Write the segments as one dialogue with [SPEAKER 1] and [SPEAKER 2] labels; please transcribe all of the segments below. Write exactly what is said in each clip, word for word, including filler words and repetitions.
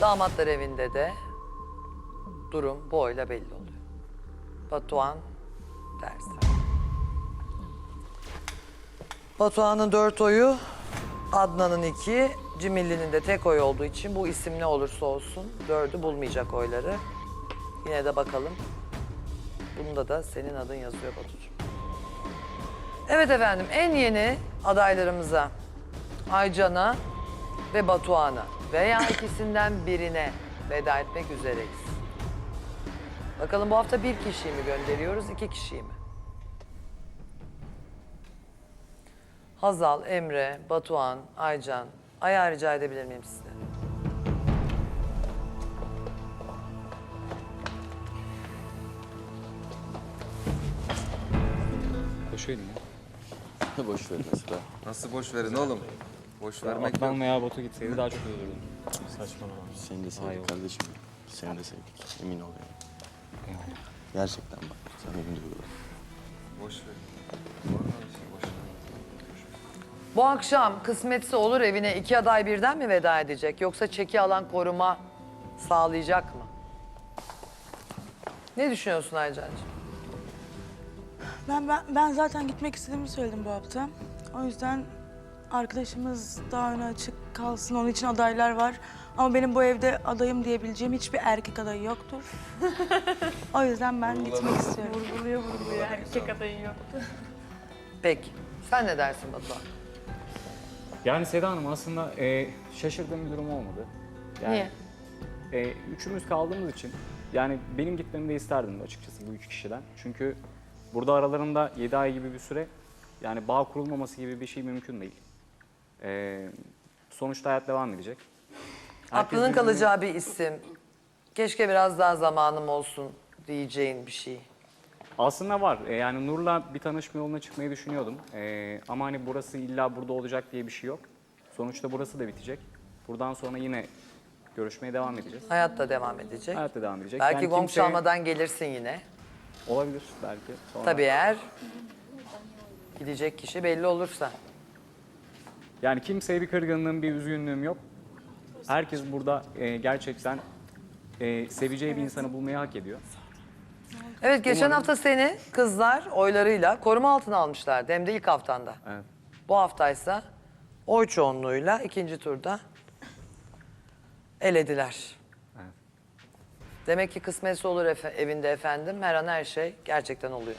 [SPEAKER 1] Damatlar evinde de durum bu oyla belli oluyor. Batuhan ters. Batuhan'ın dört oyu, Adnan'ın iki, Cimilli'nin de tek oy olduğu için bu isim ne olursa olsun dördü bulmayacak oyları. Yine de bakalım. Bunda da senin adın yazıyor Batucuğum. Evet efendim, en yeni adaylarımıza Aycan'a ve Batuhan'a veya ikisinden birine veda etmek üzereyiz. Bakalım bu hafta bir kişiyi mi gönderiyoruz, iki kişiyi mi? Hazal, Emre, Batuhan, Aycan. Ayağı rica edebilir miyim sizden?
[SPEAKER 2] Boş verin ya.
[SPEAKER 3] Boş ver mesela.
[SPEAKER 4] Nasıl boş verin oğlum? Boş vermek
[SPEAKER 2] Adnan
[SPEAKER 4] yok.
[SPEAKER 2] veya Batu gitseydi daha çok iyi olurdu. Saçmalama.
[SPEAKER 3] Seni de sevdik
[SPEAKER 2] Hayır.
[SPEAKER 3] kardeşim. Seni de sevdik. Emin ol yani. Gerçekten bak. Sen emin duyuyorum.
[SPEAKER 4] Boş verin. Boş verin.
[SPEAKER 1] Bu akşam kısmetse olur evine iki aday birden mi veda edecek? Yoksa çeki alan koruma sağlayacak mı? Ne düşünüyorsun Aycan'cığım?
[SPEAKER 5] Ben, ben, ben zaten gitmek istediğimi söyledim bu hafta. O yüzden arkadaşımız daha öne açık kalsın. Onun için adaylar var. Ama benim bu evde adayım diyebileceğim hiçbir erkek adayı yoktur. O yüzden ben gitmek istiyorum.
[SPEAKER 6] Vurguluyor vurguluyor. Erkek adayı yoktu.
[SPEAKER 1] Peki. Sen ne dersin Batuhan?
[SPEAKER 2] Yani Seda Hanım aslında e, şaşırdığım bir durum olmadı. Yani,
[SPEAKER 6] Niye?
[SPEAKER 2] E, üçümüz kaldığımız için yani benim gitmemi de isterdim açıkçası bu üç kişiden. Çünkü burada aralarında yedi ay gibi bir süre yani bağ kurulmaması gibi bir şey mümkün değil. E, sonuçta hayat devam edecek. Herkes
[SPEAKER 1] Aklının
[SPEAKER 2] birbirini-
[SPEAKER 1] kalacağı bir isim. Keşke biraz daha zamanım olsun diyeceğin bir şey.
[SPEAKER 2] Aslında var. E, yani Nur'la bir tanışma yoluna çıkmayı düşünüyordum. E, ama hani burası illa burada olacak diye bir şey yok. Sonuçta burası da bitecek. Buradan sonra yine görüşmeye devam edeceğiz.
[SPEAKER 1] Hayat da devam edecek.
[SPEAKER 2] Hayat da devam edecek.
[SPEAKER 1] Belki
[SPEAKER 2] Yani
[SPEAKER 1] gong
[SPEAKER 2] kimse-
[SPEAKER 1] çalmadan gelirsin yine.
[SPEAKER 2] Olabilir belki. Sonra.
[SPEAKER 1] Tabii eğer gidecek kişi belli olursa.
[SPEAKER 2] Yani kimseye bir kırgınlığım, bir üzgünlüğüm yok. Herkes burada e, gerçekten e, seveceği bir insanı bulmayı hak ediyor.
[SPEAKER 1] Evet, geçen
[SPEAKER 2] Umarım-
[SPEAKER 1] hafta seni kızlar oylarıyla koruma altına almışlardı. Hem de ilk haftanda.
[SPEAKER 2] Evet.
[SPEAKER 1] Bu haftaysa oy çoğunluğuyla ikinci turda elediler.
[SPEAKER 2] Evet.
[SPEAKER 1] Demek ki kısmetse olur efe- evinde efendim. Her an her şey gerçekten oluyor.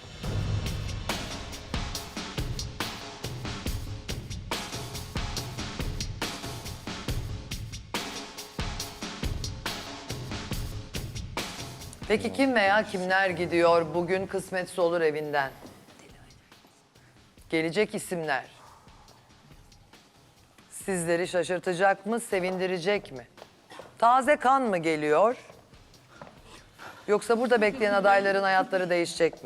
[SPEAKER 1] Peki kim veya kimler gidiyor bugün kısmetse olur evinden? Gelecek isimler. Sizleri şaşırtacak mı, sevindirecek mi? Taze kan mı geliyor? Yoksa burada bekleyen adayların hayatları değişecek mi?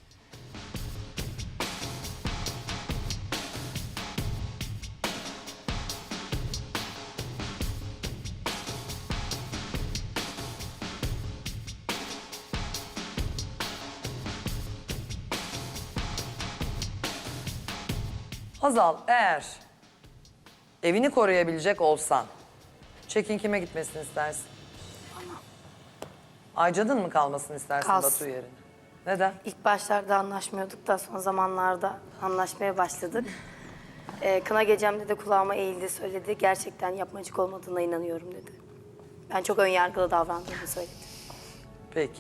[SPEAKER 1] Hazal, eğer evini koruyabilecek olsan, çekin kime gitmesini istersin? Aycan'ın mı kalmasını istersin
[SPEAKER 7] Kalsın.
[SPEAKER 1] Batu yerine? Neden?
[SPEAKER 7] İlk başlarda anlaşmıyorduk da son zamanlarda anlaşmaya başladık. Ee, kına gecemde de kulağıma eğildi, söyledi. Gerçekten yapmacık olmadığına inanıyorum dedi. Ben çok önyargılı davrandığımı söyledi.
[SPEAKER 1] Peki.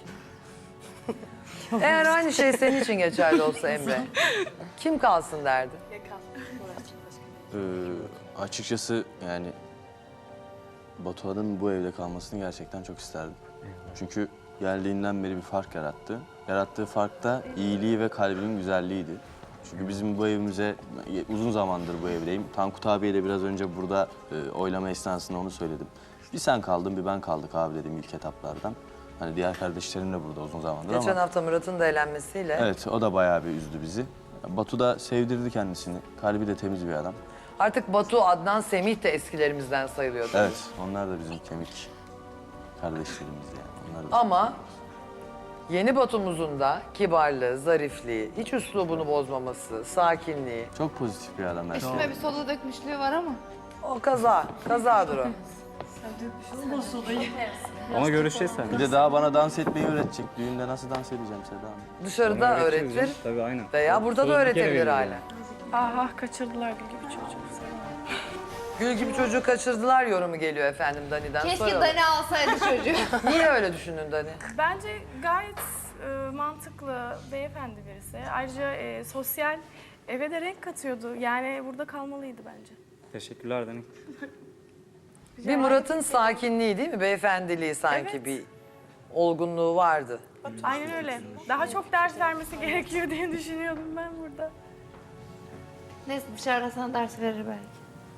[SPEAKER 1] Eğer aynı şey senin için geçerli olsa Emre, kim kalsın derdi?
[SPEAKER 3] Ee, açıkçası yani Batuhan'ın bu evde kalmasını gerçekten çok isterdim. Çünkü geldiğinden beri bir fark yarattı. Yarattığı fark da iyiliği ve kalbinin güzelliğiydi. Çünkü bizim bu evimize uzun zamandır bu evdeyim. Tankut abiye de biraz önce burada e, oylama esnasında onu söyledim. Bir sen kaldın, bir ben kaldık abi dedim ilk etaplardan. Hani diğer kardeşlerim de burada uzun zamandır
[SPEAKER 1] Geçen
[SPEAKER 3] ama...
[SPEAKER 1] hafta Murat'ın da elenmesiyle.
[SPEAKER 3] Evet, o da bayağı bir üzdü bizi. Batu da sevdirdi kendisini. Kalbi de temiz bir adam.
[SPEAKER 1] Artık Batu, Adnan, Semih de eskilerimizden sayılıyor. tabii.
[SPEAKER 3] Evet, onlar da bizim kemik kardeşlerimiz yani. Onlar da
[SPEAKER 1] Ama yeni Batu'muzun da kibarlığı, zarifliği, hiç üslubunu bozmaması, sakinliği.
[SPEAKER 3] çok pozitif bir adam. her şey.
[SPEAKER 6] Üstüme bir soda dökmüşlüğü var ama.
[SPEAKER 1] O kaza, kazadır o.
[SPEAKER 2] Ama görüşeceğiz
[SPEAKER 3] Bir
[SPEAKER 2] seninle.
[SPEAKER 3] de daha bana dans etmeyi öğretecek. Düğünde nasıl dans edeceğim Seda Hanım?
[SPEAKER 1] Dışarıda
[SPEAKER 2] Ona öğreteceğiz
[SPEAKER 1] öğretir
[SPEAKER 2] canım. Tabii aynen.
[SPEAKER 1] veya burada da
[SPEAKER 2] Söz bir kere
[SPEAKER 1] öğretebilir
[SPEAKER 2] veriyor
[SPEAKER 1] hala.
[SPEAKER 6] Aha kaçırdılar Gül gibi çocuğu.
[SPEAKER 1] Gül gibi çocuğu kaçırdılar yorumu geliyor efendim Dani'den.
[SPEAKER 8] Keşke
[SPEAKER 1] Soralım.
[SPEAKER 8] Dani alsaydı çocuğu.
[SPEAKER 1] Niye öyle düşündün Dani?
[SPEAKER 6] Bence gayet e, mantıklı, beyefendi birisi. Ayrıca e, sosyal, eve de renk katıyordu. Yani burada kalmalıydı bence.
[SPEAKER 2] Teşekkürler Dani.
[SPEAKER 1] Bir Murat'ın sakinliği değil mi? Beyefendiliği sanki
[SPEAKER 6] Evet.
[SPEAKER 1] bir olgunluğu vardı.
[SPEAKER 6] Aynen öyle. Daha çok ders vermesi gerekiyor diye düşünüyordum ben burada.
[SPEAKER 8] Neyse dışarıda sana ders verir belki.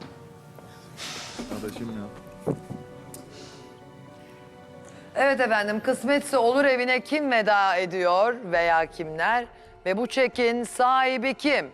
[SPEAKER 1] Evet efendim, kısmetse olur evine kim veda ediyor veya kimler? Ve bu çekin sahibi kim?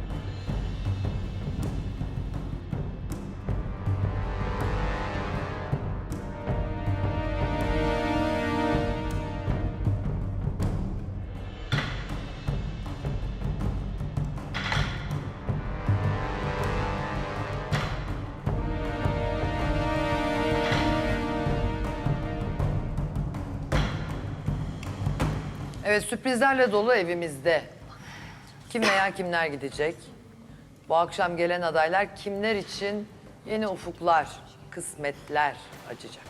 [SPEAKER 1] Evet, sürprizlerle dolu evimizde. Kim veya kimler gidecek? Bu akşam gelen adaylar kimler için yeni ufuklar, kısmetler açacak?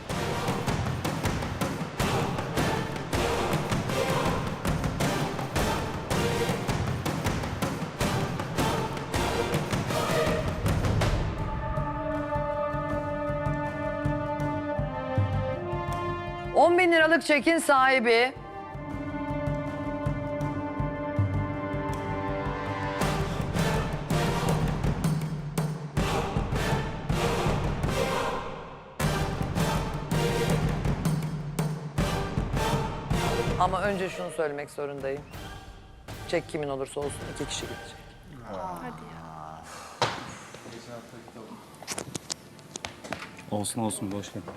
[SPEAKER 1] on bin liralık çekin sahibi ama önce şunu söylemek zorundayım. Çek kimin olursa olsun iki kişi gidecek.
[SPEAKER 2] Olsun olsun boş ver.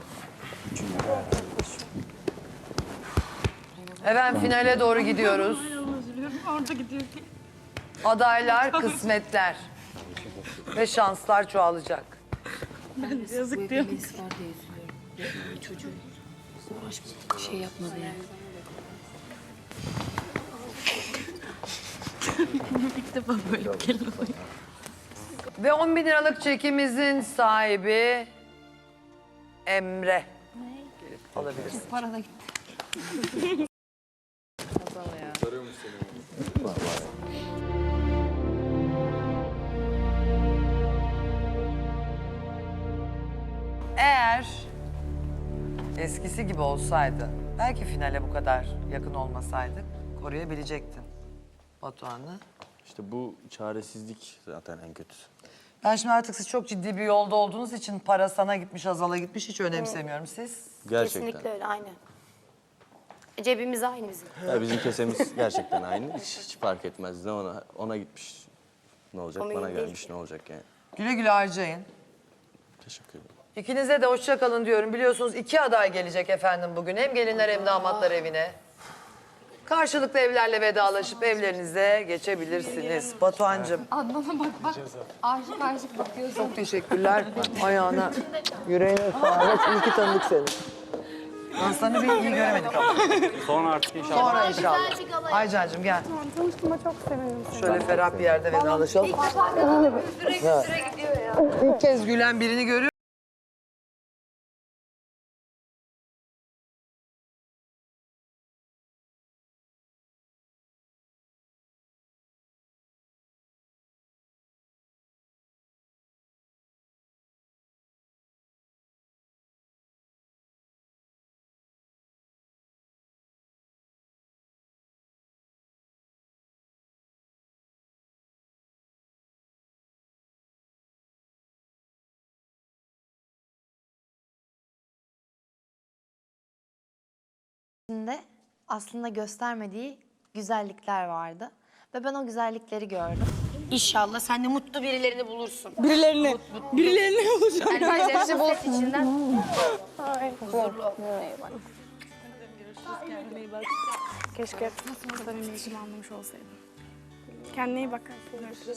[SPEAKER 1] Efendim finale doğru gidiyoruz. Adaylar, kısmetler ve şanslar çoğalacak.
[SPEAKER 6] Yazık diyorum.
[SPEAKER 7] Çocuğu şey yapmadı yani.
[SPEAKER 6] İlk defa böyle bir kelime var.
[SPEAKER 1] Ve on bin liralık çekimizin sahibi Emre. Gelip alabilirsin.
[SPEAKER 8] Para da gitti.
[SPEAKER 1] Eğer eskisi gibi olsaydı, belki finale bu kadar yakın olmasaydık koruyabilecektin Batuhan'ı.
[SPEAKER 3] İşte bu çaresizlik zaten en kötüsü.
[SPEAKER 1] Ben şimdi artık siz çok ciddi bir yolda olduğunuz için para sana gitmiş, Azal'a gitmiş hiç önemsemiyorum siz.
[SPEAKER 3] Gerçekten.
[SPEAKER 7] Kesinlikle öyle, aynen. Cebimiz aynı bizim.
[SPEAKER 3] Ya bizim kesemiz gerçekten aynı. Hiç, hiç fark etmez. Ne ona ona gitmiş ne olacak,
[SPEAKER 7] O mühim
[SPEAKER 3] bana
[SPEAKER 7] değil
[SPEAKER 3] gelmiş
[SPEAKER 7] ki.
[SPEAKER 3] ne olacak yani.
[SPEAKER 1] Güle güle harcayın.
[SPEAKER 3] Teşekkür ederim.
[SPEAKER 1] İkinize de hoşça kalın diyorum. Biliyorsunuz iki aday gelecek efendim bugün. Hem gelinler hem damatlar evine. Karşılıklı evlerle vedalaşıp evlerinize geçebilirsiniz. Batuhan'cığım
[SPEAKER 8] Adnan'a bak bak. Aşık aşık bakıyorsun.
[SPEAKER 1] çok teşekkürler. Ayağına, yüreğine sağlık. İyi ki tanıdık seni. Danslarını bir iyi göremedik ama.
[SPEAKER 2] Sonra artık inşallah.
[SPEAKER 1] Sonra inşallah. Aycan'cığım gel.
[SPEAKER 6] Tanıştığıma çok sevindim.
[SPEAKER 1] Şöyle ferah bir yerde vedalaşalım.
[SPEAKER 8] Süre süre gidiyor ya.
[SPEAKER 1] İlk kez gülen birini görüyorum.
[SPEAKER 9] içinde aslında göstermediği güzellikler vardı. Ve ben o güzellikleri gördüm.
[SPEAKER 7] İnşallah sen de mutlu birilerini bulursun.
[SPEAKER 5] Birilerini, birilerini olacak.
[SPEAKER 7] Yani bence bu içinden
[SPEAKER 6] Keşke samimi işimi anlamış olsaydım. Kendine iyi bak. Görüşürüz.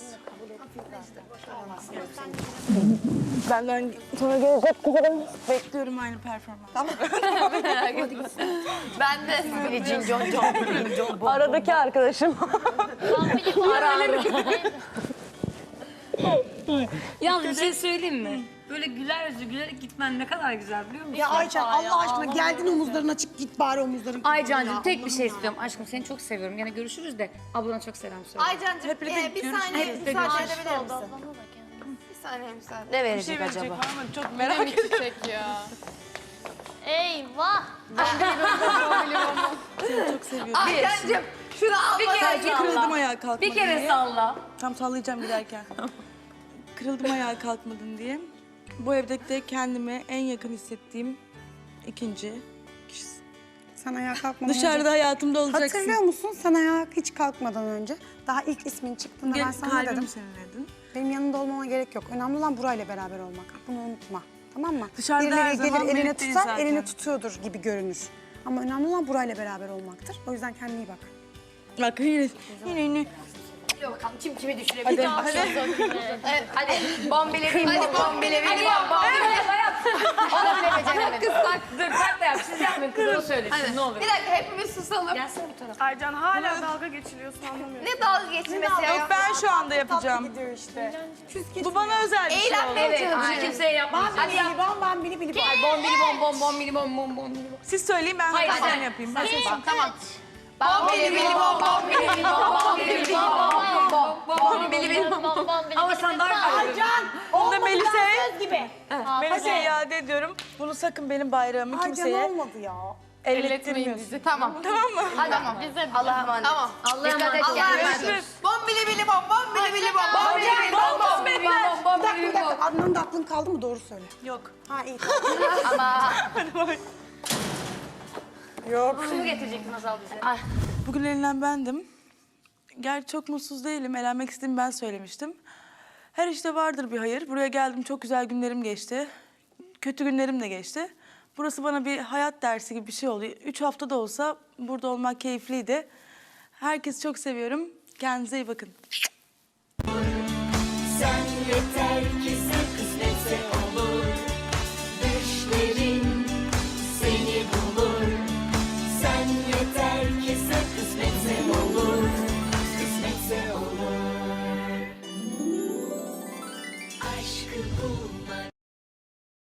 [SPEAKER 5] Benden sonra gelecek kızlarım. Bekliyorum aynı performans.
[SPEAKER 8] Ben de.
[SPEAKER 5] Aradaki arkadaşım.
[SPEAKER 10] Yalnız bir şey söyleyeyim mi? Böyle güler yüzlü gülerek gitmen ne kadar güzel biliyor musun?
[SPEAKER 11] Ya Aycan Allah aşkına geldin omuzların açık git bari omuzların.
[SPEAKER 10] Aycancığım tek bir şey istiyorum. Aşkım seni çok seviyorum. Gene görüşürüz de ablana çok selam söyle.
[SPEAKER 8] Aycancığım
[SPEAKER 5] Hep birlikte
[SPEAKER 8] e, bir
[SPEAKER 5] görüşürüz.
[SPEAKER 8] saniye
[SPEAKER 10] Hep birlikte
[SPEAKER 8] müsaade
[SPEAKER 10] görüşürüz.
[SPEAKER 8] edebilir misin? Bir saniye müsaade.
[SPEAKER 9] Ne
[SPEAKER 5] Bir
[SPEAKER 9] verecek
[SPEAKER 5] şey verecek
[SPEAKER 9] acaba?
[SPEAKER 5] ama çok merak ediyorum.
[SPEAKER 8] Eyvah.
[SPEAKER 5] Seni çok seviyorum.
[SPEAKER 8] Aycancığım şunu al
[SPEAKER 10] Bir
[SPEAKER 8] bana.
[SPEAKER 10] kere
[SPEAKER 5] Kırıldım
[SPEAKER 10] salla.
[SPEAKER 5] ayağa kalkmadın
[SPEAKER 10] Bir kere
[SPEAKER 5] diye.
[SPEAKER 10] salla.
[SPEAKER 5] Tam sallayacağım giderken. Kırıldım ayağa kalkmadın diye. Bu evde de kendime en yakın hissettiğim ikinci kişisin.
[SPEAKER 11] Sen ayağa kalkmadan
[SPEAKER 5] Dışarıda
[SPEAKER 11] önce...
[SPEAKER 5] hayatımda olacaksın.
[SPEAKER 11] Hatırlıyor musun sen ayağa hiç kalkmadan önce? Daha ilk ismin çıktığında ben
[SPEAKER 5] Gel,
[SPEAKER 11] sana ne
[SPEAKER 5] kalbim
[SPEAKER 11] dedim?
[SPEAKER 5] seninledin.
[SPEAKER 11] Benim yanında olmana gerek yok. Önemli olan burayla beraber olmak. Bunu unutma. Tamam mı?
[SPEAKER 5] Dışarıda
[SPEAKER 11] Birileri
[SPEAKER 5] her zaman
[SPEAKER 11] gelir eline
[SPEAKER 5] birlikteyiz
[SPEAKER 11] tutar,
[SPEAKER 5] zaten.
[SPEAKER 11] elini tutuyordur gibi görünür. Ama önemli olan burayla beraber olmaktır. O yüzden kendine iyi bak.
[SPEAKER 5] Bak yine, yine, yine.
[SPEAKER 8] Bakalım kim kimi düşürebilir.
[SPEAKER 5] Hadi, hadi.
[SPEAKER 8] Evet, hadi. Bombile bin bom, bombile bin bom, bombile. Onu bile beceremedim.
[SPEAKER 10] Kızlar dur kalk da yap. Siz yapmayın kızı o söylesin ne olur.
[SPEAKER 8] Bir dakika hepimiz susalım.
[SPEAKER 10] Gelsene bu tarafa.
[SPEAKER 6] Aycan hala dalga geçiliyorsun anlamıyorum.
[SPEAKER 8] Ne dalga geçmesi ya?
[SPEAKER 5] Yok ben şu anda yapacağım.
[SPEAKER 11] Gidiyor işte.
[SPEAKER 5] Bu bana özel bir şey oldu.
[SPEAKER 8] Eğlenmeye
[SPEAKER 10] Evet
[SPEAKER 8] çalışıyoruz.
[SPEAKER 10] bunu kimseye yapmayacağız.
[SPEAKER 8] Hadi yap.
[SPEAKER 11] bom ben bili bili bom.
[SPEAKER 8] Bombili bom, bom, bombili bom, bom, bombili bom.
[SPEAKER 5] Siz söyleyin ben
[SPEAKER 10] Hayır,
[SPEAKER 5] hadi
[SPEAKER 10] sen-
[SPEAKER 5] yapayım. Ben
[SPEAKER 8] Tamam, tamam. Bombili bili bom, bombili bili bom, bombili bili bom, bom, bom, bombili bili bom.
[SPEAKER 10] Ama sen daha güzel.
[SPEAKER 5] Onu da Melisa'ya Melisa'ya iade ediyorum. Bunu sakın benim bayrağımı
[SPEAKER 11] Aycan
[SPEAKER 5] kimseye
[SPEAKER 11] olmadı ya.
[SPEAKER 5] ellettirmiyorsun.
[SPEAKER 8] Tamam.
[SPEAKER 5] Tamam mı?
[SPEAKER 8] Hadi tamam. Allah'a emanet. Tamam.
[SPEAKER 10] Allah'a
[SPEAKER 8] Dikkat et
[SPEAKER 10] emanet.
[SPEAKER 8] kendine.
[SPEAKER 5] Görüşürüz.
[SPEAKER 8] Bombili bili bom, bombili bili bom, bombili bili bom, bombili bili bom,
[SPEAKER 11] Bir
[SPEAKER 8] bombili
[SPEAKER 11] dakika bir
[SPEAKER 8] bili bom.
[SPEAKER 11] dakika. Adnan'ın da aklın kaldı mı? Doğru söyle.
[SPEAKER 5] Yok.
[SPEAKER 11] Ha iyi.
[SPEAKER 8] Ama
[SPEAKER 10] Şunu getirecektin Azal bize.
[SPEAKER 5] Bugün elenen bendim. Gerçi çok mutsuz değilim. Elenmek istediğimi ben söylemiştim. Her işte vardır bir hayır. Buraya geldim, çok güzel günlerim geçti. Kötü günlerim de geçti. Burası bana bir hayat dersi gibi bir şey oldu. Üç hafta da olsa burada olmak keyifliydi. Herkesi çok seviyorum. Kendinize iyi bakın.
[SPEAKER 12] Sen yeter